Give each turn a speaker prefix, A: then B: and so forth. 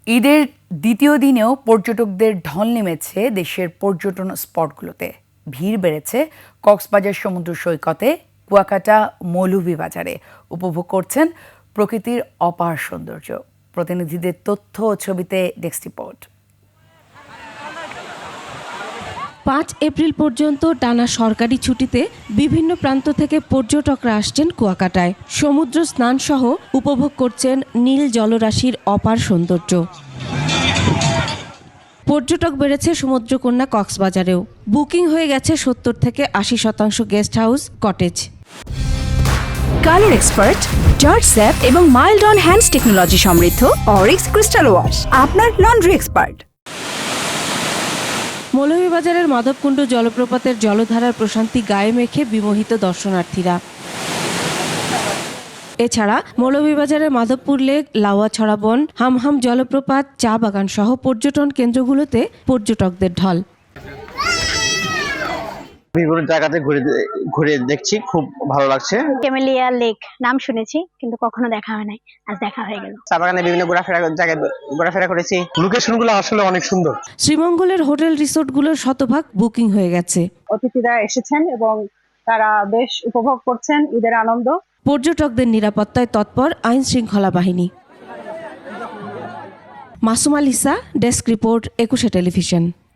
A: ঈদের দ্বিতীয় দিনেও পর্যটকদের ঢল নেমেছে দেশের পর্যটন স্পটগুলোতে। ভিড় বেড়েছে কক্সবাজার সমুদ্র সৈকতে, কুয়াকাটা, মৌলভীবাজারে। উপভোগ করছেন প্রকৃতির অপার সৌন্দর্য। প্রতিনিধিদের তথ্য ও ছবিতে ডেস্ক রিপোর্ট।
B: 5 এপ্রিল পর্যন্ত টানা সরকারি ছুটিতে বিভিন্ন প্রান্ত থেকে পর্যটকরা আসছেন কুয়াকাটায়। সমুদ্র স্নান সহ উপভোগ করছেন নীল জলরাশির অপার সৌন্দর্য। পর্যটক বেড়েছে সমুদ্রকন্যা কক্সবাজারেও। বুকিং হয়ে গেছে 70 থেকে 80% guest house, cottage.
C: Colour expert, germ zap এবং মাইল্ড অন হ্যান্ডস টেকনোলজি সমৃদ্ধ অরিক্স ক্রিস্টাল ওয়াশ আপনার লন্ড্রি এক্সপার্ট।
B: মৌলভীবাজারের মাধবকুণ্ড জলপ্রপাতের জলধারার প্রশান্তি গায়ে মেখে বিমোহিত দর্শনার্থীরা। এছাড়া মৌলভীবাজারের মাধবপুর লেক, লাউয়াছড়া বন, হামহাম জলপ্রপাত, চা বাগান সহ পর্যটন কেন্দ্রগুলোতে পর্যটকদের ঢল।
D: বিভিন্ন জায়গাতে ঘুরে দেখছি, খুব ভালো লাগছে।
E: ক্যামেলিয়া লেক নাম শুনেছি কিন্তু কখনো দেখা হয় নাই, আজ দেখা হয়ে গেল।
D: চা বাগানে বিভিন্ন ঘোরাফেরা করেছি।
F: লোকেশনগুলো আসলে অনেক সুন্দর।
B: শ্রীমঙ্গলের হোটেল রিসোর্টগুলোর শতভাগ বুকিং হয়ে গেছে।
G: অতিথিরা এসেছেন এবং তারা বেশ উপভোগ করছেন ঈদের আনন্দ।
B: পর্যটকদের নিরাপত্তায় তৎপর আইন শৃঙ্খলা বাহিনী। Masuma Lisa, desk report, 21 television.